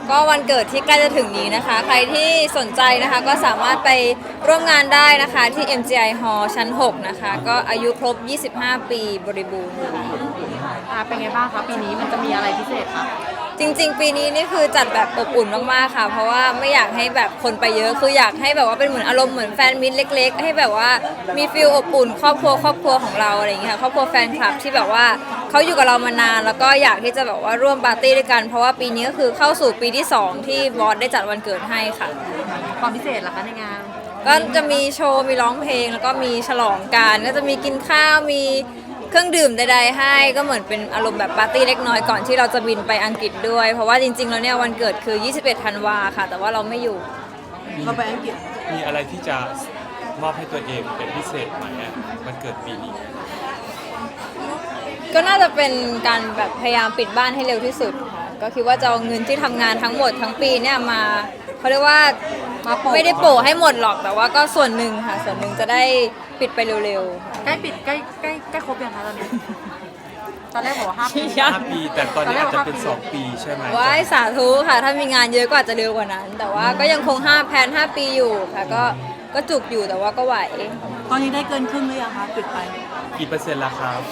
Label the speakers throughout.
Speaker 1: ก็วันเกิดที่ใกล้จะถึงนี้นะคะใครที่สนใจนะคะก็สามารถไปร่วมงานได้นะคะที่ MGI Hall ชั้น 6 นะคะก็อายุครบ 25 ปีบริบูรณ์ค่ะ
Speaker 2: เป็นไงบ้างคะปีนี้มันจะมีอะไรพิเศษคะ
Speaker 1: จริงๆปีนี้นี่คือจัดแบบอบอุ่นมากๆค่ะเพราะว่าไม่อยากให้แบบคนไปเยอะคืออยากให้แบบว่าเป็นเหมือนอารมณ์เหมือนแฟนมิตรเล็กๆให้แบบว่ามีฟีลอบอุ่นครอบครัวของเราอะไรอย่างเงี้ยค่ะครอบครัวแฟนคลับที่แบบว่าเขาอยู่กับเรามานานแล้วก็อยากที่จะแบบว่าร่วมปาร์ตี้ด้วยกันเพราะว่าปีนี้ก็คือเข้าสู่ปีที่2ที่บอสได้จัดวันเกิดให้ค่ะ
Speaker 2: ความพิเศษล่ะคะในงาน
Speaker 1: ก็จะมีโชว์มีร้องเพลงแล้วก็มีฉลองกันก็จะมีกินข้าวมีเครื่องดื่มใดๆให้ก็เหมือนเป็นอารมณ์แบบปาร์ตี้เล็กน้อยก่อนที่เราจะบินไปอังกฤษด้วยเพราะว่าจริงๆแล้วเนี่ยวันเกิดคือ21 ธันวาค่ะแต่ว่าเราไม่อยู่
Speaker 2: เราไปอังกฤษ
Speaker 3: มีอะไรที่จะมอบให้ตัวเองเป็นพิเศษไหมวันเกิดปีนี้
Speaker 1: ก็น่าจะเป็นการแบบพยายามปิดบ้านให้เร็วที่สุดค่ะก็คิดว่าจะเอาเงินที่ทำงานทั้งหมดทั้งปีเนี่ยมาเขาเรียกว่าไม่ได้โปะให้หมดหรอกแต่ว่าก็ส่วนหนึ่งค่ะส่วนหนึ่งจะได้ปิดไปเร็ว
Speaker 2: ๆใกล้ปิดใกล้ครบยังคะตอนนี้ตอนแรกบอกว่า5 ปี
Speaker 3: 5 ปีแต่ตอนนี้อาจจะเป็น2 ปีใช่ไหม
Speaker 1: ว้ายสาธุค่ะถ้ามีงานเยอะก็อาจจะเร็วกว่านั้นแต่ว่าก็ยังคง5แพลน5 ปีอยู่ค่ะก็จุกอยู่แต่ว่าก็ไหว
Speaker 2: ตอนนี้ได้เกินครึ่งหรือยังคะปิดไป
Speaker 3: กี่เปอร์เซ็นต์ละครับ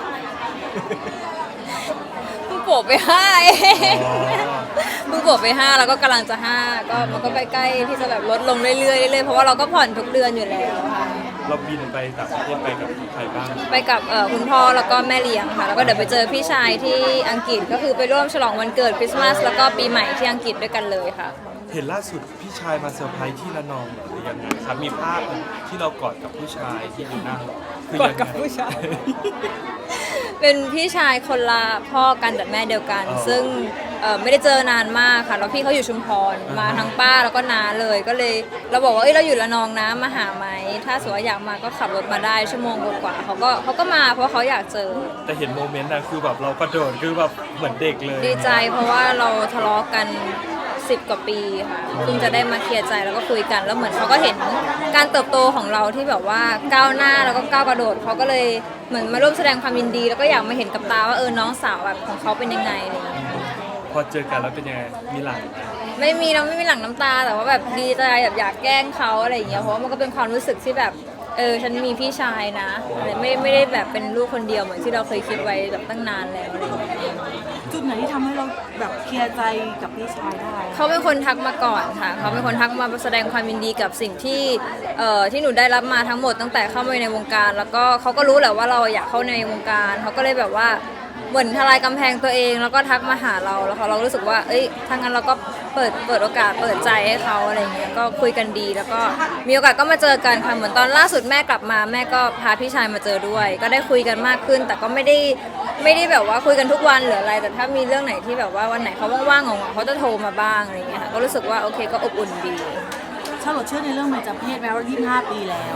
Speaker 1: เพิ่งโปะไป5เองเพิ่งโปะไป5แล้วก็กำลังจะ5ก็มันก็ใกล้ๆที่จะแบบลดลงเรื่อยๆเพราะว่าเราก็ผ่อนทุกเดือนอยู่แล้วค่ะ
Speaker 3: เราบินไปต่างประเทศไปกับใครบ้าง
Speaker 1: ไปกับคุณพ่อแล้วก็แม่เลี้ยงค่ะแล้วก็เดี๋ยวไปเจอพี่ชายที่อังกฤษก็คือไปร่วมฉลองวันเกิดคริสต์มาสแล้วก็ปีใหม่ที่อังกฤษด้วยกันเลยค่ะ
Speaker 3: เห็นล่าสุดพี่ชายมาเซอร์ไพรส์ที่ระนองหรือยังไงครับมีภาพที่เรากอดกับผู้ชายที่อยู่หน้าก
Speaker 1: อดกับผู้ชายเป็นพี่ชายคนละพ่อกันแต่แม่เดียวกันซึ่งไม่ได้เจอนานมากค่ะแล้วพี่เขาอยู่ชุมพรมาทั้งป้าแล้วก็น้าเลยก็เลยเราบอกว่าเราอยู่ระนองนะมาหาไหมถ้าสมมติว่าอยากมาก็ขับรถมาได้ชั่วโมงกว่าเขาก็มาเพราะเขาอยากเจอ
Speaker 3: แต่เห็นโมเมนต์นะคือแบบเรากระโดดคือแบบเหมือนเด็กเลย
Speaker 1: ดีใจเพราะว่าเราทะเลาะกัน10 กว่าปีค่ะเพิ่งจะได้มาเคลียร์ใจแล้วก็คุยกันแล้วเหมือนเขาก็เห็นการเติบโตของเราที่แบบว่าก้าวหน้าแล้วก็ก้าวกระโดดเขาก็เลยเหมือนมาร่วมแสดงความยินดีแล้วก็อยากมาเห็นกับตาว่าน้องสาวแบบของเขาเป็นยังไงอะไรอย่างเงี้ย
Speaker 3: พอเจอกันแล้วเป็นยังไงมีหลัง
Speaker 1: ไม่มีหลั่งน้ำตาแต่ว่าแบบดีใจแบบอยากแกล้งเขาอะไรอย่างเงี้ยเพราะว่ามันก็เป็นความรู้สึกที่แบบฉันมีพี่ชายนะไม่ได้แบบเป็นลูกคนเดียวเหมือนที่เราเคยคิดไว้แบบตั้งนานแล้วอะไรอย่างเงี้ย
Speaker 2: จุดไหนที่ทำให้เราแบบเคลียร์ใจกับพี่ชายได้
Speaker 1: เขาเป็นคนทักมาก่อนค่ะเขาเป็นคนทักมาแสดงความยินดีกับสิ่งที่ที่หนูได้รับมาทั้งหมดตั้งแต่เข้ามาในวงการแล้วก็เขาก็รู้แหละว่าเราอยากเข้าในวงการเขาก็เลยแบบว่าเหมือนทลายกำแพงตัวเองแล้วก็ทักมาหาเราแล้วเรารู้สึกว่าถ้างั้นเราก็เปิดโอกาสเปิดใจให้เขาอะไรเงี้ยก็คุยกันดีแล้วก็มีโอกาสก็มาเจอกันค่ะเหมือนตอนล่าสุดแม่กลับมาแม่ก็พาพี่ชายมาเจอด้วยก็ได้คุยกันมากขึ้นแต่ก็ไม่ได้แบบว่าคุยกันทุกวันหรืออะไรแต่ถ้ามีเรื่องไหนที่แบบว่าวันไหนเขาว่างๆเขาจะโทรมาบ้างอะไรเงี้ยค่ะก็รู้สึกว่าโอเคก็อบอุ่นดี
Speaker 2: ชาลอตเชื่อในเรื่องเบญจเพศแม้ว่า25 ปีแล้ว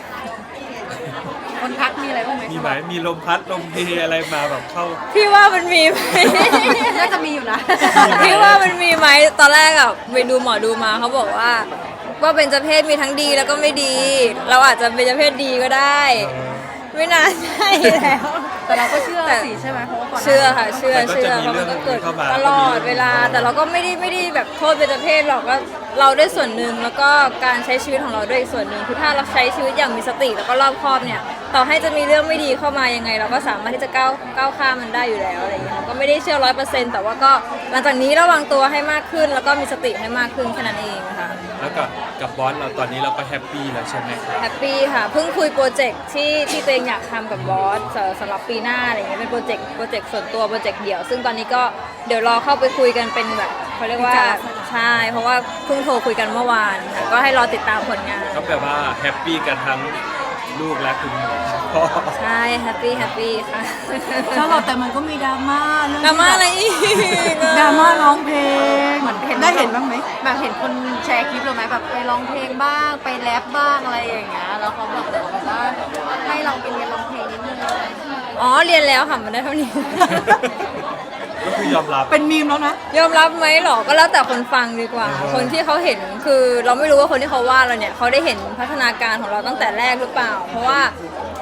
Speaker 2: คนทักมีอะไรบ้างไหม
Speaker 3: มีไหมมีลมพัดลมเพอะไรมาแบบเข้า
Speaker 1: พี่ว่ามันมีไหม
Speaker 2: น่าจะมีอยู่นะ
Speaker 1: พี่ว่ามันมีไหมตอนแรกอะไปดูหมอดูมาเขาบอกว่าเบญจเพศมีทั้งดีแล้วก็ไม่ดีเราอาจจะเบญจเพศดีก็ได้ไม่น่าใช่แล้ว
Speaker 2: แต่เราก็เชื่อสิใช่ไหมเพราะว่าก่อน
Speaker 1: เชื่อค่ะเชื่อเพราะมันก็เกิดตลอดเวลาแต่เราก็ไม่ได้แบบโทษเบญจเพศหรอกว่าเราด้วยส่วนหนึ่งแล้วก็การใช้ชีวิตของเราด้วยอีกส่วนหนึ่งคือถ้าเราใช้ชีวิตอย่างมีสติแล้วก็รอบคอบเนี่ยต่อให้จะมีเรื่องไม่ดีเข้ามายังไงเราก็สามารถที่จะก้าวข้ามมันได้อยู่แล้วอะไรอย่างเงี้ยก็ไม่ได้เชื่อ100%แต่ว่าก็หลังจากนี้ระวังตัวให้มากขึ้นแล้วก็มีสติให้มากขึ้นแค่นั้นเองค่ะ
Speaker 3: แล้วกับบอสเราตอนนี้เราก็แฮปปี้แล้วใช่ไหม
Speaker 1: แฮปปี้ค่ะเพิ่งคุยโปรเจกต์ที่ตัวเองอยากทำกับบอสสำหรับปีหน้าอะไรเงี้ยเป็นโปรเจกต์ส่วนตัวโปรเจกต์เดี่ยวซึ่งตอนนี้ก็เดี๋ยวรอเข้าไปคุยกันเป็นแบบเขาเรียกว่าใช่เพราะว่าเพิ่งโทรคุยกันเมื่อวานค่ะก็ให้รอติดตามผลงาน
Speaker 3: ก็แปลว่าแฮปปี้กันทั้งลูกและคุณพ่อ
Speaker 1: ใช่แฮปปี้ค่ะ
Speaker 2: ชาลอตแต่มันก็มีดราม่า
Speaker 1: อะไรอีก
Speaker 2: ดราม่าร้องเพลงเหมือนได้เห็นบ้างไหมแบบเห็นคนแชร์คลิปเราไหมแบบไปร้องเพลงบ้างไปแรปบ้างอะไรอย่างเงี้ยแล้วเขาแบบว่าให้เราไปเรียนร้องเพลงนิดนึง
Speaker 1: อ๋อเรียนแล้วค่ะมันได้เท่านี้
Speaker 3: ก็คือยอมรับ
Speaker 2: เป็นมีมแล้วนะ
Speaker 1: ยอมรับไหมหรอก็แล้วแต่คนฟังดีกว่าคนที่เขาเห็นคือเราไม่รู้ว่าคนที่เขาว่าเราเนี่ยเขาได้เห็นพัฒนาการของเราตั้งแต่แรกหรือเปล่าเพราะว่า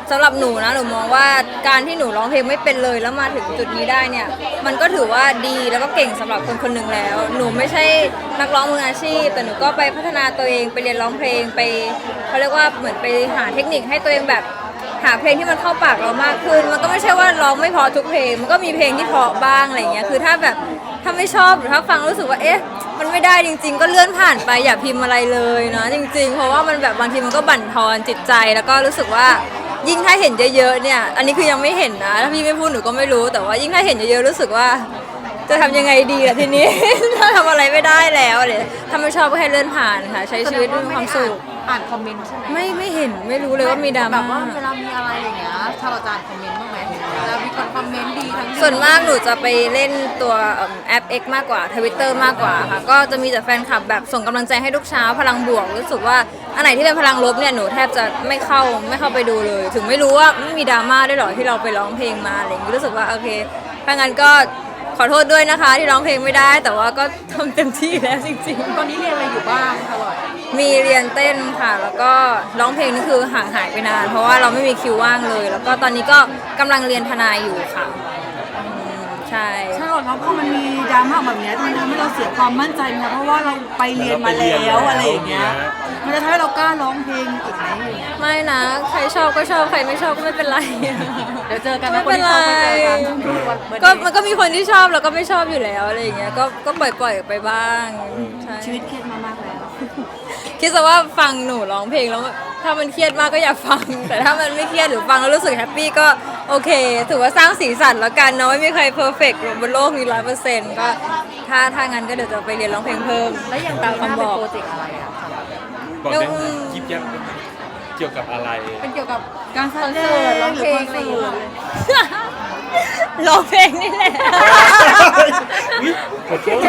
Speaker 1: สำหรับหนูนะหนูมองว่าการที่หนูร้องเพลงไม่เป็นเลยแล้วมาถึงจุดนี้ได้เนี่ยมันก็ถือว่าดีแล้วก็เก่งสำหรับคนคนหนึ่งแล้ว หนูไม่ใช่นักร้องมืออาชีพแต่หนูก็ไปพัฒนาตัวเองไปเรียนร้องเพลงไปเขาเรียกว่าเหมือนไปหาเทคนิคให้ตัวเองแบบหาเพลงที่มันเข้าปากเรามากขึ้นมันก็ไม่ใช่ว่าร้องไม่เพอทุกเพลงมันก็มีเพลงที่เพอบ้างอะไรอย่างเงี้ยคือถ้าแบบถ้าไม่ชอบหรือถ้าฟังรู้สึกว่าเอ๊ะมันไม่ได้จริงๆก็เลื่อนผ่านไปอย่าพิมพ์อะไรเลยนะจริงๆเพราะว่ามันแบบบางทีมันก็บั่นทอนจิตใจแล้วก็รู้สึกว่ายิ่งถ้าเห็นเยอะๆเนี่ยอันนี้คือยังไม่เห็นนะถ้าพี่ไม่พูดหนูก็ไม่รู้แต่ว่ายิ่งถ้าเห็นเยอะๆรู้สึกว่าจะทำยังไงดีล่ะทีนี้ ถ้าทำอะไรไม่ได้แล้วเลยถ้าไม่ชอบก็ให้เลื่อนผ่านค่ะใช้ชีวิตด้วยความสุข
Speaker 2: อ่านคอมเมนต์ใช่ไหม
Speaker 1: ไม่เห็นไม่รู้เลยว่ามีดรา
Speaker 2: แบ
Speaker 1: ม่า
Speaker 2: บว่าเวลามีอะไรอย่างเงี้ยชาลจานคอมเมนต์บ้างไหมเวลามีคนคอมเมนต์ดีทั้งดี
Speaker 1: ส่วนมากหนูจะไปเล่นตัวแอป X มากกว่า Twitter มากกว่าค่ะก็จะมีแต่แฟนคลับแบบส่งกำลังใจให้ทุกเช้าพลังบวกรู้สึกว่าอันไหนที่เป็นพลังลบเนี่ยหนูแทบจะไม่เข้าไปดูเลย ถึงไม่รู้ว่าไม่มีดราม่าด้วยหรอที่เราไปร้องเพลงมาอะไรอย่างนี้รู้สึกว่าโอเคถ้างั้นก็ขอโทษด้วยนะคะที่ร้องเพลงไม่ได้ แต่ว่าก็ทำเต็มที่แล้วจริงๆ
Speaker 2: ตอนนี้เรียนอะไรอยู่บ้างชาลอต
Speaker 1: มีเรียนเต้นค่ะ แล้วก็ร้องเพลงนี่คือห่างหายไปนาน เพราะว่าเราไม่มีคิวว่างเลย แล้วก็ตอนนี้ก็กำลังเรียนทนายอยู่ค่ะใช่
Speaker 4: ใช่หรอครับพอมันมีดราม่าแบบเนี้ยมันทำให้เราเสียความมั่นใจนะเพราะว่าเราไปเรียนมาแล้วอะไรอย่างเงี้ยมันจะทำให้เรากล้าร้องเพลงอีกไหม
Speaker 1: ไม่นะ ใครชอบก็ชอบ ใครไม่ชอบก็ไม่เป็นไร
Speaker 2: เดี๋ยวเจอกันนะ
Speaker 1: ไม่
Speaker 2: คน
Speaker 1: เป็น
Speaker 2: ที่
Speaker 1: ไร
Speaker 2: ชอบไปเจอกัน
Speaker 1: ก็มันก็มีคนที่ชอบแล้วก็ไม่ชอบอยู่แล้วอะไรอย่างเงี้ย ก็ปล่อยไปบ้างใช่
Speaker 4: ชีวิตเครียดมามากแล้ว
Speaker 1: คิดซะว่าฟังหนูร้องเพลงแล้วถ้ามันเครียดมากก็อย่าฟัง แต่ถ้ามันไม่เครียดหรือฟังแล้วรู้สึกแฮปปี้ก็โอเค ถือว่าสร้างสีสันแล้วกันเนาะไม่มีใครเพอร์เฟกต์บนโลกนี้100%ก็ถ้างั้นก็เดี๋ยวจะไปเรียนร้องเพลงเพิ่ม
Speaker 2: แล้วอย่าง
Speaker 1: ตา
Speaker 2: ตาม ม
Speaker 1: คำ
Speaker 2: คำ
Speaker 1: บบ อ
Speaker 2: อก
Speaker 1: ก
Speaker 2: โปรเจกต์อะไรอ่ะ
Speaker 3: บอกได้ไหมยิบยับได้ไหมเกี่ยวกับอะไร
Speaker 2: เป็นเกี่ยวกับ
Speaker 4: การแส
Speaker 2: คอน
Speaker 4: ด
Speaker 2: เสิร์ต
Speaker 4: ง
Speaker 2: ร้อง
Speaker 4: ห
Speaker 2: เพ
Speaker 4: รือ
Speaker 2: ลง
Speaker 4: คอน
Speaker 2: อะไร
Speaker 4: เสิ
Speaker 2: อย่าง
Speaker 4: ร์
Speaker 2: เงี้
Speaker 4: ต
Speaker 2: ย
Speaker 1: ร้องเพลงนี่แหละ
Speaker 3: อุ๊ยขอโทษ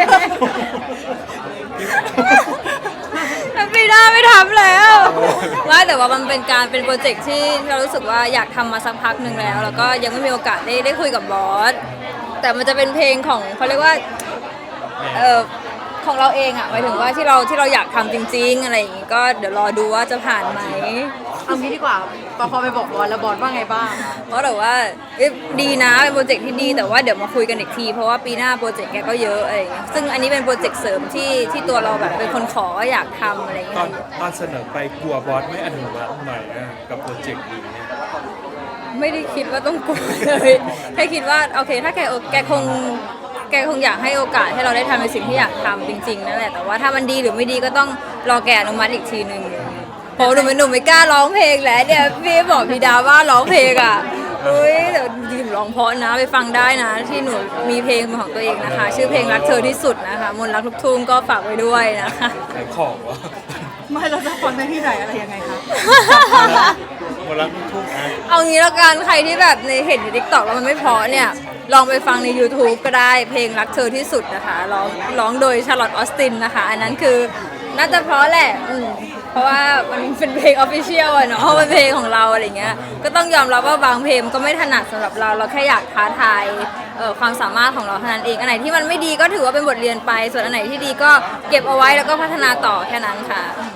Speaker 1: ปีหน้าไม่ทำแล้วว่าแต่ว่ามันเป็นโปรเจกต์ที่เรารู้สึกว่าอยากทำมาสักพักหนึ่งแล้ว แล้วก็ยังไม่มีโอกาสได้คุยกับบอสแต่มันจะเป็นเพลงของเขาเรียกว่าของเราเองอะหมายถึงว่าที่เราอยากทำจริงๆอะไรอย่างงี้ก็เดี๋ยวรอดูว่าจะผ่านไหม
Speaker 2: เอางี้ดีกว่าพอไปบอกบอลแล้วบอลว่าไงบ้าง
Speaker 1: เพราะแต่ว่าดีนะเป็นโปรเจกต์ที่ดีแต่ว่าเดี๋ยวมาคุยกันอีกทีเพราะว่าปีหน้าโปรเจกต์แกก็เยอะอะไรอย่างเงี้ยซึ่งอันนี้เป็นโปรเจกต์เสริมที่ตัวเราแบบเป็นคนขอว่าอยากทำอะไรอย่าง
Speaker 3: ต
Speaker 1: เงี้
Speaker 3: อย นเสนอไปกลัวบอสไม่อนุมัติหน่อยนะกับโปรเจกต์นี้เนี่ย
Speaker 1: ไม่ได้คิดว่าต้องกลัวเลยแค่คิดว่าโอเคถ้าแกคงอยากให้โอกาสให้เราได้ทำในสิ่งที่อยากทำจริงๆนั่นแหละแต่ว่าถ้ามันดีหรือไม่ดีก็ต้องรอแกอนุมัติอีกทีนึงเพราะหนูไม่กล้าร้องเพลงแล้วเนี่ยพี่บอกพี่ดาว่าร้องเพลงอ่ะอุ้ยเดี๋ยวดิมร้องเพราะนะไปฟังได้นะที่หนูมีเพลงเป็นของตัวเองนะคะ ชื่อเพลงรักเธอที่สุดนะคะมนต์รักลูกทุ่งก็ฝากไว้ด้วยนะคะ
Speaker 3: ขายของวะ
Speaker 4: ไม่เราจะฟังได้ที่ไหนอะไรยังไงคะ
Speaker 3: หมดรักลูกทุ่งอ่ะ
Speaker 1: เอางี้แล้วกันใครที่แบบในเห็นในทิกตอกแล้วมันไม่เพราะเนี่ยลองไปฟังใน YouTube ก็ได้เพลงรักเธอที่สุดนะคะร้องโดยชาร์ลอตออสตินนะคะ อันนั้นคือน่าจะเพราะแหละเพราะว่ามันเป็นเพลงออฟฟิเชียลอะเนาะเป็นเพลงของเราอะไรเงี้ยก็ต้องยอมรับว่าบางเพลงก็ไม่ถนัดสำหรับเราแค่อยากท้าทายความสามารถของเราเท่านั้นเองอันไหนที่มันไม่ดีก็ถือว่าเป็นบทเรียนไป ส่วนอันไหนที่ดีก็เก็บเอาไว้แล้วก็พัฒนาต่อแค่นั้นค่ะ